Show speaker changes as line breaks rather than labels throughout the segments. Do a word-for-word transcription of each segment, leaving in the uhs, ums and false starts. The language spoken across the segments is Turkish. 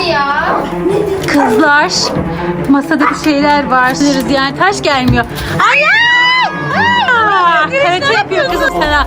ya?
Kızlar, masada bir şeyler var. Yani taş gelmiyor. Ay ay! Aa, karate yapıyor kızım sana.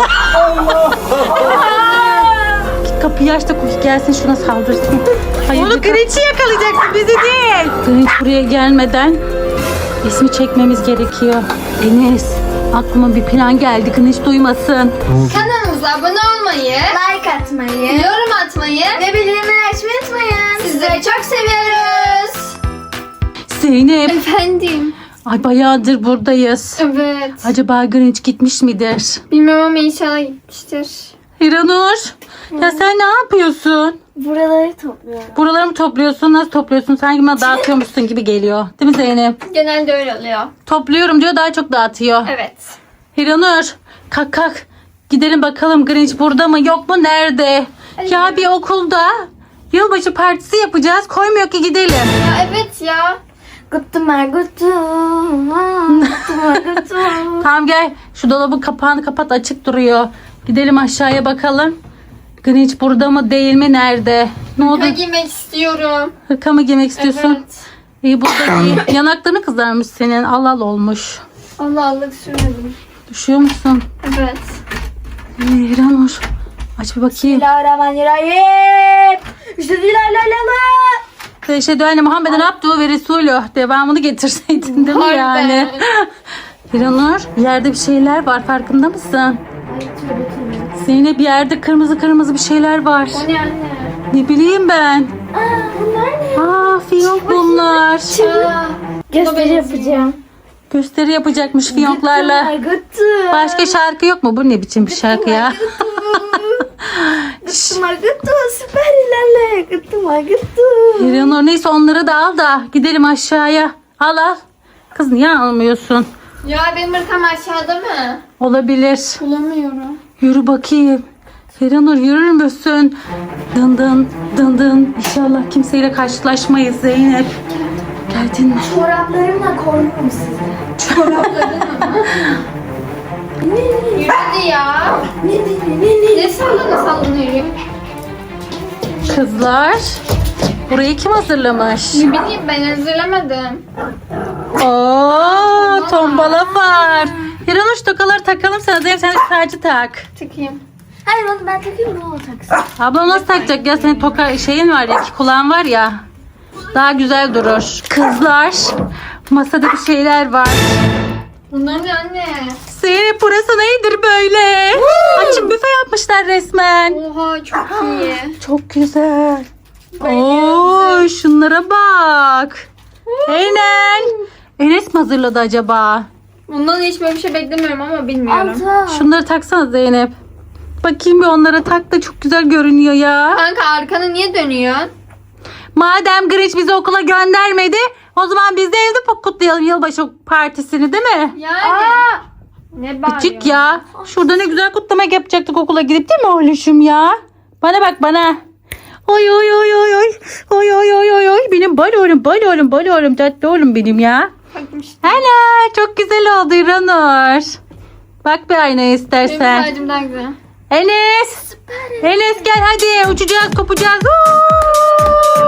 Git kapıyı aç da Cookie gelsin şuna saldırsın. Hayır, onu Grinch'i yakalayacaksın, bizi değil. Grinch buraya gelmeden ismi çekmemiz gerekiyor. Enes, aklıma bir plan geldi. Grinch duymasın.
Kanalımıza abone olmayı,
Like atmayı
yorum atmayı
ve bildirimleri açmayı unutmayın.
sizleri çok seviyoruz.
Zeynep,
Efendim?
ay bayağıdır buradayız.
Evet.
Acaba Grinch gitmiş midir?
Bilmem ama inşallah gitmiştir.
Hiranur, ya sen ne yapıyorsun?
Buraları topluyorum.
Buraları mı topluyorsun? Nasıl topluyorsun? Sanki bana dağıtıyormuşsun gibi geliyor. Değil mi Zeynep?
Genelde öyle oluyor.
Topluyorum diyor, daha çok dağıtıyor.
Evet.
Hiranur, kalk kalk. Gidelim bakalım Grinch burada mı yok mu, nerede?
Hadi.
Ya bir okulda yılbaşı partisi yapacağız. Koymuyor ki gidelim.
Ya evet ya.
Guttum guttum. Guttum guttum.
Tamam gel. Şu dolabın kapağını kapat, açık duruyor. Gidelim aşağıya bakalım. Grinch burada mı değil mi, nerede? Ne oldu?
Hırka giymek istiyorum.
Hırka mı giymek istiyorsun?
Evet.
İyi burada giy. Yanaklarını kızarmış senin. Allah Allah olmuş.
Allah Allah sürmedim.
Düşüyor musun?
Evet.
Ee, Hiranur. Aç bir bakayım.
Bismillahirrahmanirrahim. İşte dilerlerler.
Eşhedü enne Muhammeden abduhu ve resulü. Devamını getirseydin değil mi
Harbiden.
yani? Hiranur, yerde bir şeyler var, farkında mısın? Zeynep, bir yerde kırmızı kırmızı bir şeyler var.
O ne anne?
Ne bileyim ben.
Aa, bunlar ne?
Aa, fiyonk bunlar.
Aa,
Gösteri yapacağım.
Gösteri yapacakmış fiyonklarla.
Guttum.
Başka şarkı yok mu? Bu ne biçim bir şarkı ya?
Guttum guttum. Süper ilerle. Guttum guttum.
Hiranur, neyse onları da al da gidelim aşağıya. Al al. Kız niye almıyorsun?
Ya benim hırkam aşağıda mı?
Olabilir.
Bulamıyorum.
Yürü bakayım. Hiranur, yürür müsün? Dın dın dın dın. İnşallah kimseyle karşılaşmayız Zeynep. Geldin mi?
Çoraplarımla korurum sizi.
Çorapladın mı? Yürüdü ya.
Ne ne ne ne?
Ne sallana sallana yürüyor.
Kızlar, burayı kim hazırlamış?
Ne bileyim ben hazırlamadım.
Oo, tombala var. Hiranur, şu tokaları takalım sana. Zeynep, sen de tacı tak.
Çıkayım.
Hayır onu ben takayım da o taksın.
Ablam nasıl takacak ya? Senin toka şeyin var ya, iki kulağın var ya. Daha güzel durur. Kızlar, masada bir şeyler var.
Bunlar ne anne?
Zeynep, burası nedir böyle? Açık büfe yapmışlar resmen.
Oha çok iyi.
Çok güzel.
Bayılıyorum.
Oo, şunlara bak. Enel. Enes mi hazırladı acaba?
Bundan hiç böyle bir şey beklemiyorum ama bilmiyorum.
Altı.
Şunları taksana Zeynep. Bakayım bir onlara, tak da çok güzel görünüyor ya.
Kanka arkanı niye dönüyorsun?
Madem Grinch bizi okula göndermedi, o zaman biz de evde kutlayalım yılbaşı partisini, değil mi?
Yani.
Aa.
Ne bağırıyorsun?
Küçük ya. Şurada ne güzel kutlamak yapacaktık okula gidip, değil mi oğluşum ya? Bana bak bana. Oy oy oy oy oy. Oy oy oy oy oy. Benim bal oğlum, bal oğlum, bal oğlum, tatlı oğlum benim ya.
Bakmış.
Ana, çok güzel oldu İranur. Bak bir aynaya
Benim
istersen.
tacım daha güzel.
Enes. Enes gel hadi, uçacağız, kopacağız. Uuu.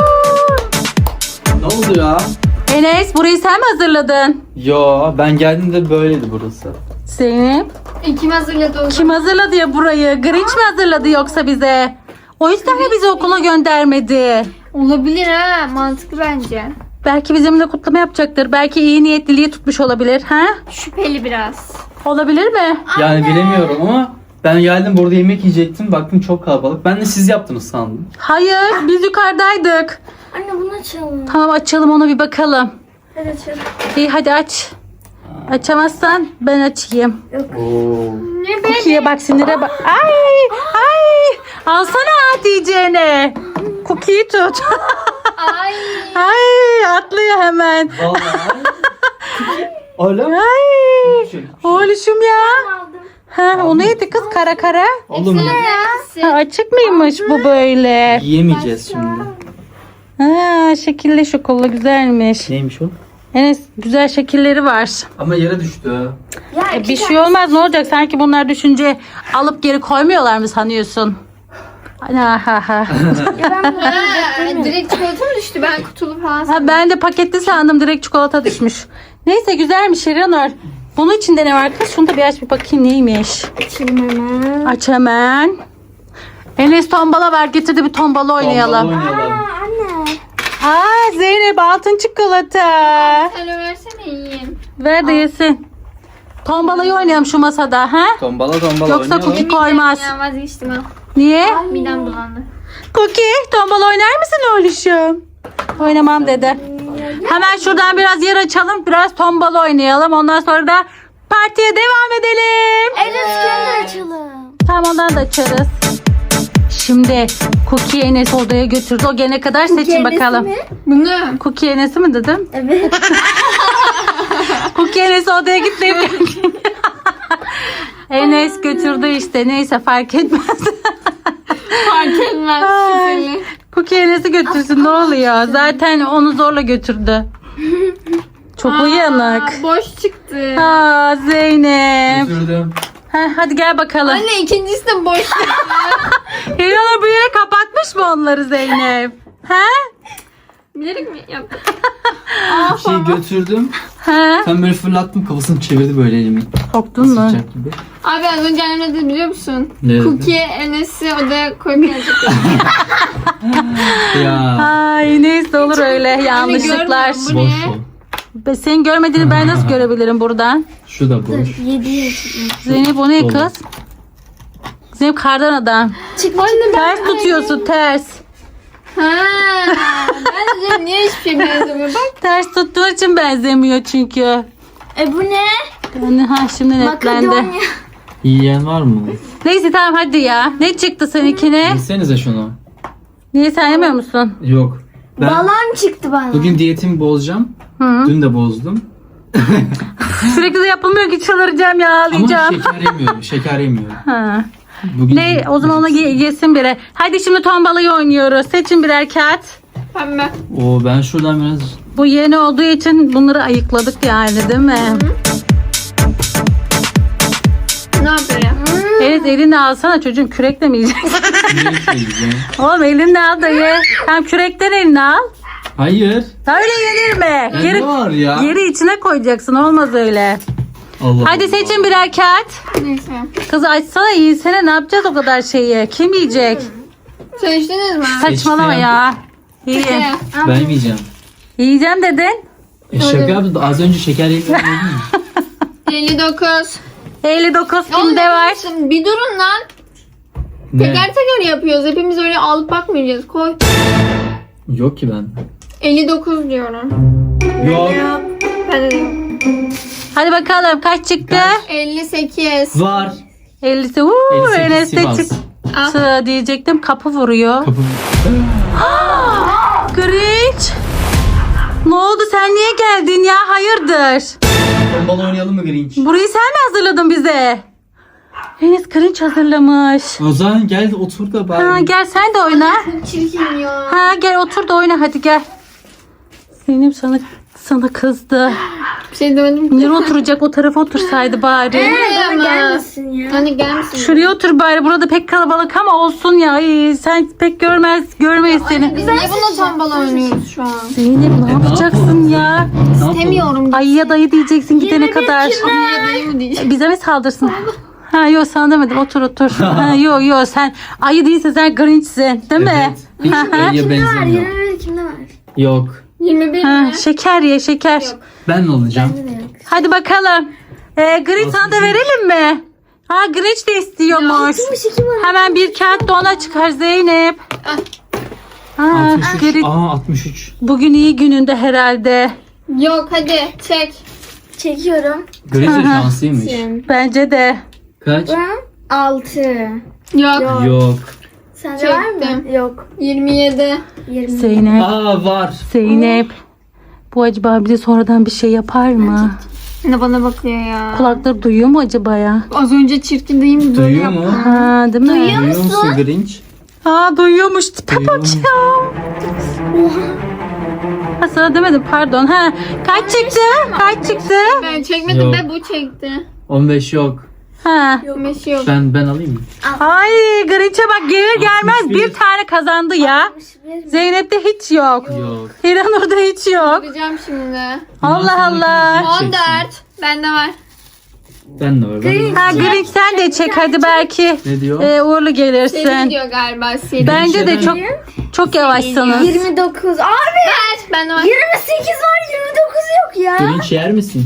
Ne oldu ya?
Enes, burayı sen mi hazırladın?
Yo, ben geldiğimde böyleydi burası.
Zeynep.
E, kim hazırladı o?
Kim hazırladı ya burayı? Grinch mi hazırladı yoksa bize? O yüzden mi bizi okula göndermedi?
Olabilir ha. Mantıklı bence.
Belki bizimle kutlama yapacaktır. Belki iyi niyetliliği tutmuş olabilir. Ha?
Şüpheli biraz.
Olabilir mi?
Yani bilemiyorum ama ben geldim burada yemek yiyecektim. Baktım çok kalabalık. Ben de siz yaptınız sandım.
Hayır, biz yukarıdaydık.
Anne bunu açalım.
Tamam, açalım onu, bir bakalım.
Hadi açalım.
İyi hadi aç. Açamazsan ben açayım.
Oo.
Ne be?
Cookie'ye bak, sinire bak. Ay ay. Alsana Hatice'ne. Cookie'yi tut.
Ay.
Ay, atlıyor hemen.
Vallahi. Öyle mi?
Ay.
Küçük.
Oğluşum ya.
Aldım.
Ha, o neydi kız, kara kara?
Oğlum
Ha, açık mıymış bu böyle?
yiyemeyeceğiz şimdi.
Ha, şekilli şokola güzelmiş.
Neymiş o?
Enes, güzel şekilleri var.
Ama yere düştü.
Ya
E,
iki
bir şey
tane-
olmaz, ne olacak? Sanki bunlar düşünce alıp geri koymuyorlar mı sanıyorsun? Ha, ha, ha.
Ha, direkt çikolata mı düştü? Ben kutulu falan
Ha, ben de paketli sandım, direkt çikolata düşmüş. Neyse güzelmiş Şirinur. Bunun içinde ne var kız? Şunu da bir aç bir bakayım neymiş.
Açayım hemen.
Aç hemen. Enes tombala var, getirdi bir tombala oynayalım.
Tombala oynayalım.
Anne.
Aa Zeynep altın çikolata.
Sen versene yiyeyim.
Ver de yesin. Tombalayı oynayalım şu masada ha?
Tombala tombala
Yoksa
oynayalım.
cookie koymaz.
Ya vazgeçtim ha.
Niye?
Midem bulandı.
Cookie tombala oynar mısın oğluşum? Oynamam dedi. Hemen şuradan biraz yer açalım. Biraz tombala oynayalım. Ondan sonra da partiye devam edelim.
Evet kendi açalım.
Tamam ondan da açarız. Şimdi Cookie Enes odaya götürdü. O gelene kadar seçin bakalım.
Bunu.
Cookie Enes'i mi dedim?
Evet.
Cookie Enes odaya gitmeyip geldi. Enes götürdü işte. Neyse fark etmez.
Fark etmez. Şüpheli.
Cookie Enes'i götürsün ne oluyor? Zaten onu zorla götürdü. Çok uyanık.
Aa, boş çıktı.
Aa Zeynep.
Götürdüm.
Heh, hadi gel bakalım.
Anne ikincisi de boş çıktı.
Hiranur bu yere kapatmış mı onları Zeynep? He?
Bilerek mi yaptın?
Bir şey götürdüm.
He?
Sen böyle fırlattım, kafasını çevirdi böyle elimi.
Korktun mu?
Sıcak gibi.
Abi az önce annem ne dedi biliyor musun?
Ne dedi?
Cookie Enes'i odaya koyup gelecek.
Ya.
Ay neyse olur öyle yanlışlıklar.
görmüyorum bu.
Boş
ne?
ol.
Be- Senin görmediğini ben nasıl görebilirim buradan?
Şu da boş.
Yedi yaşım.
Zeynep o ne
Dolu.
kız? Zeynep kardan adam.
Çıkma
Ters tutuyorsun ters.
Ha, ben de dedim, niye hiçbir şey benzemiyor? Bak.
Ters tuttuğun için benzemiyor çünkü.
E bu ne?
Yani ha şimdi netlendi.
Makedonya.
Yiyen var mı?
Neyse tamam hadi ya. Ne çıktı seninkine?
Yesenize şunu.
Niye sen yemiyor musun?
Yok. Ben
Balon çıktı bana.
bugün diyetimi bozacağım.
Hı.
Dün de bozdum.
Sürekli de yapılmıyor ki çıldıracağım ya
Ama
ağlayacağım.
şeker yemiyorum. Şeker yemiyorum.
Ha.
Bugün
Ne o zaman ona ye- yesin biri. Hadi şimdi tombalayı oynuyoruz. Seçin birer kağıt.
Pembe.
Oo, ben şuradan biraz
Bu yeni olduğu için bunları ayıkladık yani değil mi?
Ne yapıyor ya?
Evet elini alsana çocuğum, kürekle mi yiyeceksin?
yemek yiyeceğim.
Oğlum elini al da ye. Tam kürekten elini al.
Hayır.
Öyle yenir mi?
Ya
Geri,
ne var ya?
Yeri içine koyacaksın, olmaz öyle.
Allah
Hadi
Allah.
seçin birer kağıt.
Neyse.
Kız açsana yiysene, ne yapacağız o kadar şeyi? Kim yiyecek?
Seçtiniz mi?
Saçmalama ya. İyi.
Peki.
Ben yemeyeceğim.
Yiyeceğim dedin.
E, şaka yaptım. Az önce şeker yedim.
elli dokuz.
elli dokuz
Oğlum,
kimde var?
yapıyorsun? Bir durun lan.
Ne?
Teker teker yapıyoruz. Hepimiz öyle alıp bakmayacağız. Koy.
Yok ki ben.
elli dokuz diyorum.
Yok.
Ben de diyorum.
Hadi bakalım kaç çıktı?
Kaç?
elli sekiz.
Var.
ellisi. Uuu
elli sekiz
Enes de
Sivas.
çıktı diyecektim. Kapı vuruyor.
Kapı.
Grinch. Ne oldu, sen niye geldin ya? Hayırdır?
Tombala oynayalım mı Grinch?
Burayı sen mi hazırladın bize? Enes Grinch hazırlamış.
O zaman gel otur da bari.
Ha, gel sen de oyna.
Çirkin ya.
Ha gel otur da oyna hadi gel. Zeynep sana sana kızdı.
Bir şey demedim ki.
Nereye oturacak, o tarafa otursaydı bari.
Buraya
Bana
mı?
gelmesin ya.
Hani gelmesin.
Şuraya otur bari, burada pek kalabalık ama olsun ya. Ay, sen pek görmez görmeyiz seni.
Biz niye bununla tombala oynuyoruz şu an?
Zeynep ne yapacaksın ya?
Ne yapalım?
Demiyorum.
Ayıya dayı diyeceksin gidene kadar.
Niye dayı mı diyeceğim?
Bize mi saldırsın? Ha yok sana demedim, otur otur. Ha, yok yok sen ayı değilse sen Grinch'sin değil mi?
Evet. Hiç ayıya
Kimde var?
benzemiyor.
yirmi bir kimde var?
Yok.
yirmi bir
Ha,
mi?
şeker ye şeker.
Ben ne olacağım?
Bende de yok.
Hadi bakalım. Ee, Grinch sana da verelim mi? Ha Grinch de istiyormuş.
Kimmiş iki var?
Hemen bir kağıt da ona çıkar Zeynep. Ha,
altmış üç.
Grinch
Aa altmış üç.
bugün iyi gününde herhalde.
Yok hadi çek.
Çekiyorum.
Grinch de şanslıymış.
Bence de.
Kaç?
Ben altı.
Yok.
Yok.
Yok.
Sende var
Çektim.
mı? Yok.
yirmi yedi.
yirmi.
Zeynep.
Aa var.
Zeynep. Bu acaba bize sonradan bir şey yapar mı?
Ne bana bakıyor ya.
Kulakları duyuyor mu acaba ya?
Az önce çirkin değil mi? Böyle
Duyuyor
yaptı.
mu?
Ha değil mi?
Duyuyor musun Grinch?
Aa duyuyormuş. Tipe
Duyuyor
bak
mu?
ya. Ha sana demedim pardon. Ha kaç çıktı? Kaç çıktı?
Ben çekmedim
Yok.
be bu çekti.
on beş yok.
Ha.
Bir şey yok.
Ben ben alayım mı?
Ay Grinch'e bak gelir gelmez
altmış bir.
bir tane kazandı ya. Zeynep'te hiç yok.
Yok.
Hiranur'da hiç yok.
Bakacağım şimdi.
Allah Allah.
on dört. Bende var.
Ben de var. Ben de
Ha
var.
Grinch sen de çek hadi belki
Ne diyor?
e, uğurlu
Seri
gelirsin.
diyor galiba. Seri.
Bence de çok çok yavaşsınız.
yirmi dokuz. Abi
Ver. Bende var.
yirmi sekiz var, yirmi dokuz yok ya.
Grinch yer misin?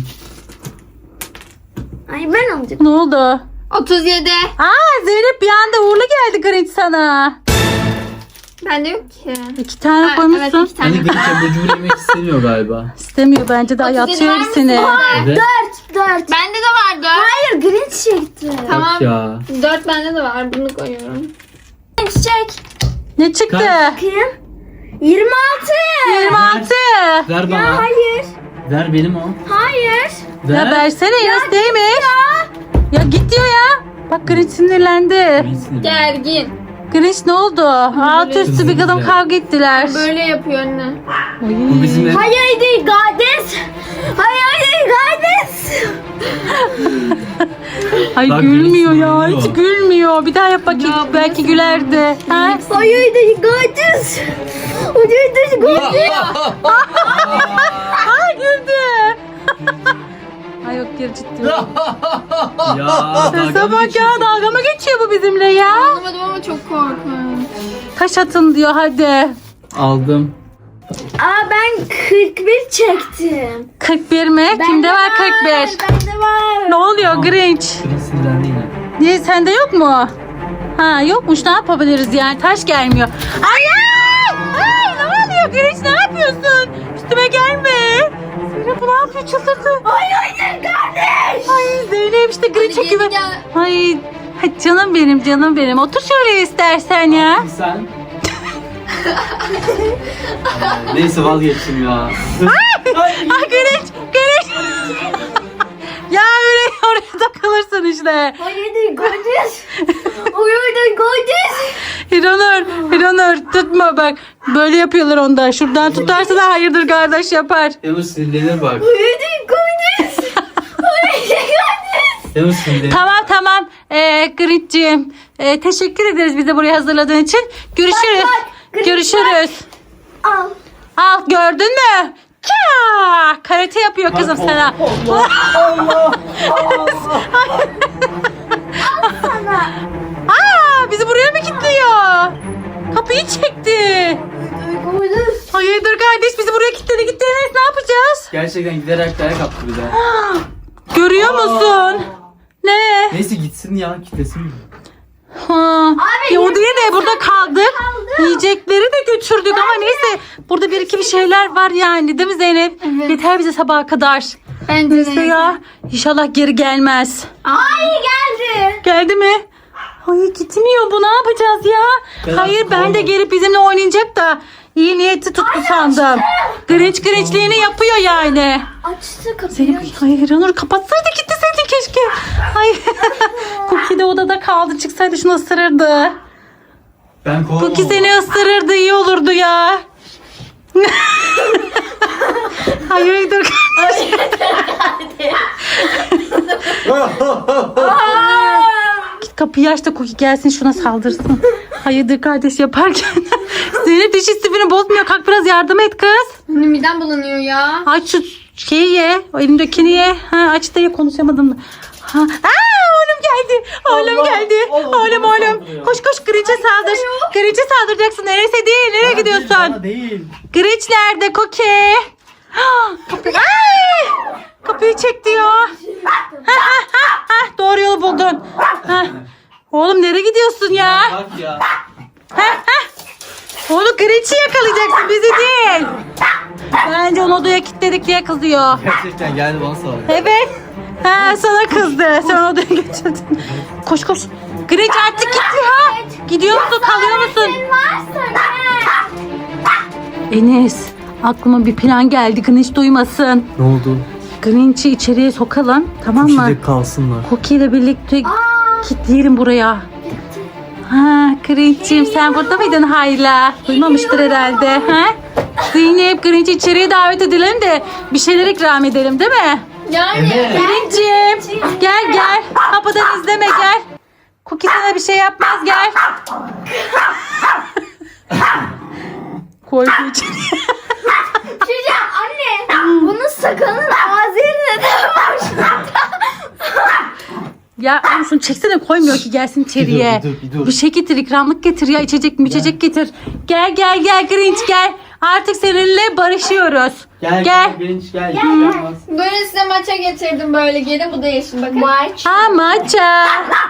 Ay ben alacağım.
Ne oldu?
otuz yedi.
Aa Zeynep bir anda uğurlu geldi Grinch sana.
Bende yok ki.
İki tane
Ha, evet
koymuşsun.
iki tane.
Hani Grinch abur cubur yemek istemiyor galiba.
İstemiyor bence de ay
otuz yedi
atıyor
var mısın?
hepsini.
Evet.
dört, dört.
Bende de var dört.
Hayır Grinch çekti.
Tamam.
Bak ya.
dört bende de var. Bunu koyuyorum.
Grinch çek.
Ne çıktı?
Kaç?
Bakayım. yirmi altı.
yirmi altı.
Ver bana.
Hayır.
Ver benim o.
Hayır.
Ya
Ver.
versene Enes değilmiş. Ya git diyor ya. Bak Grinch sinirlendi.
Grinch sinirli.
Gergin.
Grinch ne oldu? Altı üstü bir kadın kavga ettiler.
Böyle yapıyor anne.
Bu bizim ev.
Hayır değil Gades. Hayır değil Gades.
Ay
Bak,
gülmüyor
Grinch
ya.
sinirli
Hiç
o.
gülmüyor. Bir daha yap bakayım.
Ya, bu
Belki
nasıl-
gülerdi. Ha?
Hayır değil Gades. Hayır değil Gades.
Ay güldü. Ay yok geri ciddi.
Ya. dalga
Sese
mı
bak ya
geçiyorsun?
dalga mı geçiyor bu bizimle ya?
Anlamadım ama çok korkunç.
Kaç atın diyor hadi.
Aldım.
Aa ben kırk bir çektim.
kırk bir mi? Kimde var kırk bir?
Bende var.
Ne oluyor Grinch?
Grinch sinirlendi yine.
Niye sende yok mu? Ha yokmuş ne yapabiliriz yani taş gelmiyor. Ay ay! Ay ne oluyor Grinch ne yapıyorsun? Üstüme gelme. Zeynep bu ne yapıyor çıldırdı.
Hayır hayır kardeş.
Ay Zeynep işte Grinch'e
Hadi
güven.
gelin gel.
Ay hadi canım benim canım benim. Otur şöyle istersen ya.
Sen. Neyse vazgeçtim ya.
Ay Grinch Grinch. Ya öyle oraya takılırsın işte.
Hayır değil Gades. Hayır değil Gades.
Hiranur, Hiranur tutma bak. Böyle yapıyorlar onda. Şuradan tutarsa da hayırdır kardeş yapar.
Yavuz sinirlenir bak.
Hayır değil Gades. Hayır değil Gades.
Yavuz sinirlenir.
Tamam tamam. Ee, Grinch'ciğim. Ee, teşekkür ederiz bizi buraya hazırladığın için. Görüşürüz.
Bak, bak, Grinch
Görüşürüz.
Al.
Al gördün mü? Kya! Karate yapıyor kızım sana.
Allah Allah Allah.
Sana.
Aa, bizi buraya mı kilitliyor? Kapıyı çekti.
Gades.
Hayırdır kardeş bizi buraya kilitledi gitti. Enes, ne yapacağız?
Gerçekten giderek dayak attı bir de.
Görüyor musun? Ne?
Neyse gitsin ya kitlesin.
Ha.
Abi,
Ya o
yiyecekler
diye de burada kaldık.
kaldı.
Yiyecekleri de götürdük ama neyse. Burada bir iki bir şeyler var yani değil mi Zeynep?
Evet.
Yeter bize sabaha kadar.
Bence
Neyse
de.
ya. İnşallah geri gelmez.
Ay geldi.
Geldi mi? Hayır gitmiyor bu ne yapacağız ya?
Ben
Hayır
artık
ben de
olmadı.
gelip bizimle oynayacak da iyi niyeti tuttu sandım. Grinch Grinch'liğini yapıyor yani.
Açtı kapıyı.
Zeynep hayır Ranur kapatsaydı gitseydi keşke. Hayır. Cookie de odada kaldı çıksaydı şunu ısırırdı.
Ben kovamam.
Cookie seni ısırırdı iyi olurdu ya. Hayırdır kardeş. Git kapıyı aç da Cookie gelsin şuna saldırsın. Hayırdır kardeş yaparken. Zeynep diş istifini bozmuyor. Kalk biraz yardım et kız.
Benim midem bulanıyor ya.
Aç şu şeyi ye. O elindekini ye. Ha, aç da ye konuşamadım da. Ha. Aa, oğlum geldi. Oğlum
Allah,
geldi.
Allah,
oğlum
bana
oğlum.
saldırıyor.
Koş koş Grinch'e saldır. Grinch'e saldıracaksın. Neresi değil. Nereye
Bana değil,
gidiyorsun?
bana değil.
Grinch nerede Cookie? Ah, Kapı... Ay! Kapıyı çek diyor. Ha, ha, ha, ha. Doğru yolu buldun. Ha. Oğlum nereye gidiyorsun ya?
Bak ya.
Ha, ha. Oğlum Grinch'i yakalayacaksın bizi değil. Bence onu odaya kilitledik diye kızıyor.
Gerçekten geldi bana saldırdı.
Evet. Ha, sana kızdı. Sen odaya götürdün. Koş koş. Grinch artık gitti ha. Gidiyor musun kalıyor musun?
Varsa ne?
Enes aklıma bir plan geldi. Grinch duymasın.
Ne oldu?
Grinch'i içeriye sokalım. Tamam mı?
Şimdi kalsınlar.
Cookie ile birlikte kilitleyelim buraya. Ha, Grinch'ciğim sen burada mıydın hala? Duymamıştır herhalde. Ha? Zeynep Grinch'i içeriye davet edelim de bir şeyler ikram edelim değil mi?
Yani.
Evet.
Grinch'im gel gel. Kapıdan izleme gel. Cookie sana bir şey yapmaz gel. Koy içeri.
Şuraya anne. Bunun sakalının ağzı yerine de var.
Ya oğlum şunu çeksene koymuyor ki gelsin içeriye.
Bir dur, bir dur, bir dur.
Bir şey getir ikramlık getir ya içecek mi içecek getir. Gel gel gel Grinch gel. Artık seninle barışıyoruz.
Gel
Gel.
gel Grinch gel. Gel. Olmaz.
Böyle size maça getirdim böyle gelin bu da yeşil bakın.
Maç.
Ha maça.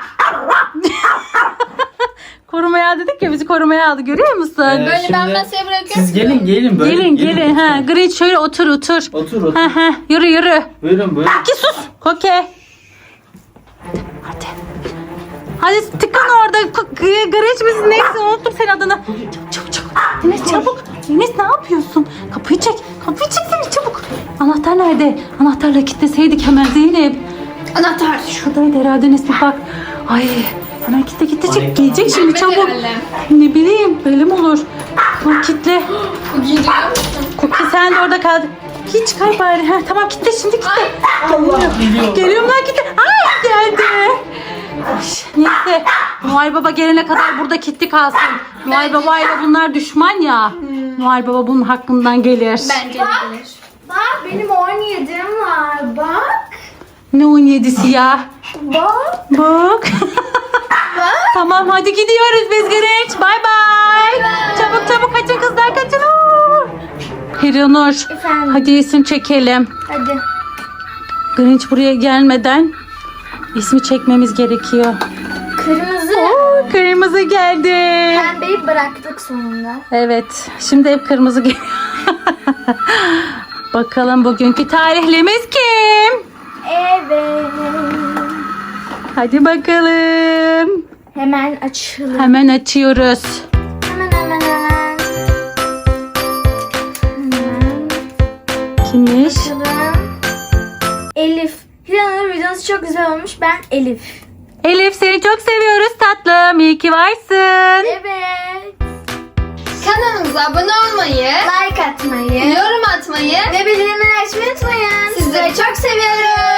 Korumaya dedik ya bizi korumaya aldı görüyor musun?
Evet.
Böyle ben
Şimdi
masaya bırakıyorum.
Siz gelin gelin böyle.
gelin gelin ha Grinch şöyle otur otur.
Otur otur.
Ha ha yürü yürü.
Buyurun buyurun.
Ki sus. Koke. Hadi. Hadi tıkın orada. K- Grinch misin neyse unuttum senin adını. Çabuk çabuk çabuk. Enes çabuk. Enes ne yapıyorsun? Kapıyı çek. Kapıyı çeksene çabuk. Anahtar nerede? Anahtarla kilitleseydik hemen Zeynep.
Anahtar.
Şuradaydı herhalde Enes bir bak. Ay hemen kilitle kilitle
Ay,
çek. Gelecek şimdi
Gitmedi
çabuk.
herhalde.
Ne bileyim böyle mi olur? Bak kitle.
Bu giriyor musun?
Cookie sen de orada kal. Hiç çıkar bari. Ha, tamam kitle şimdi kitle.
Allah geliyor.
Geliyorum lan kitle. Ay geldi. Ay, neyse. Noel Baba gelene kadar burada kilitli kalsın. Noel Baba ile bunlar düşman ya. Noel Baba bunun hakkından gelir.
Bence de gelir.
Bak benim on yedim var. Bak.
Ne on yedisi ya?
Bak.
Bak. Tamam hadi gidiyoruz biz Grinch. Bay bay. Çabuk çabuk kaçın kızlar kaçın. Oo. Hiranur.
Efendim?
Hadi isim çekelim.
Hadi.
Grinch buraya gelmeden ismi çekmemiz gerekiyor.
Kırmızı.
Oo, kırmızı geldi.
Pembeyi bıraktık sonunda.
Evet. Şimdi hep kırmızı geliyor. Bakalım bugünkü tarihlimiz kim?
Evet.
Hadi bakalım.
Hemen açalım.
Hemen açıyoruz.
Hemen hemen hemen. Hemen
Kimmiş?
açalım. Elif. Hiranur videosu çok güzel olmuş. Ben Elif.
Elif seni çok seviyoruz tatlım. İyi ki varsın.
Evet.
Kanalımıza abone olmayı,
Like atmayı
yorum atmayı
ve bildirimleri açmayı unutmayın.
sizleri çok seviyoruz.